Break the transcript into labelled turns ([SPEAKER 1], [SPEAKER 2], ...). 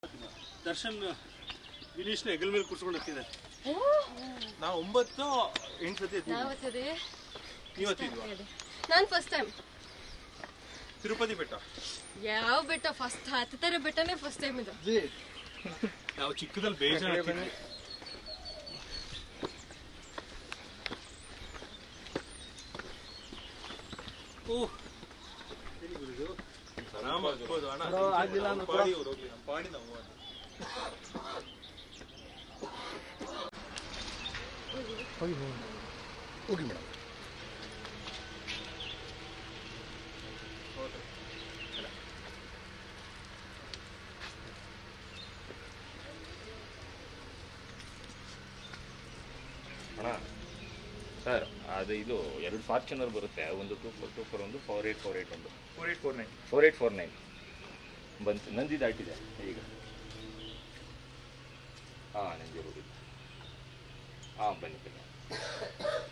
[SPEAKER 1] ದರ್ಶನ್ ವಿನೀಶ್ನ ಹೆಗಲ ಮೇಲೆ ಕೂರ್ಸ್ಕೊಂಡು ಹೋಗ್ತಿದ್ದಾರೆ. ನಾವು 9-8 ಸತಿ ಎತ್ತಿದ್ವಿ. ನೀವು ಎತ್ತಿದ್ವಾ?
[SPEAKER 2] ನಾನು ಫಸ್ಟ್ ಟೈಮ್.
[SPEAKER 1] ತಿರುಪತಿ ಬೆಟ್ಟ. ಯಾವ
[SPEAKER 2] ಬೆಟ್ಟ? ಫಸ್ಟ್ ಹತ್ತುತ್ತಾರೆ ಬೆಟ್ಟನೇ ಫಸ್ಟ್ ಟೈಮ್ ಇದು.
[SPEAKER 1] ನಾವು ಚಿಕ್ಕದಲ್ಲಿ ಬೇಜಾರು ಎತ್ತಿದ್ವಿ. ಓಹ್ ಎಲ್ಲಿ ಗುರುದು? ಆರಾಮ ಆಗ್ಬೋದು ಅಣ್ಣ. ಆಗಿಲ್ಲ ನಮ್ಮ ಪಾಡಿ ಅವ್ರು ಹೋಗ್ಲಿ, ನಮ್ಮ ಪಾಡಿ ನಾವು ಹೋಗಿ ಮೇಡಮ್.
[SPEAKER 3] ಅಣ್ಣ ಸರ್ ಅದು ಇದು 2 ಫಾರ್ಚುನರ್ ಬರುತ್ತೆ, ಒಂದು 2424 ಒಂದು 4848 ಒಂದು 4849 ಬಂತು. ನಂದಿ ದಾಟಿದೆ ಈಗ. ಹಾಂ ನಂದಿ ಹೋಗಿದ್ದು. ಹಾಂ ಬನ್ನಿ.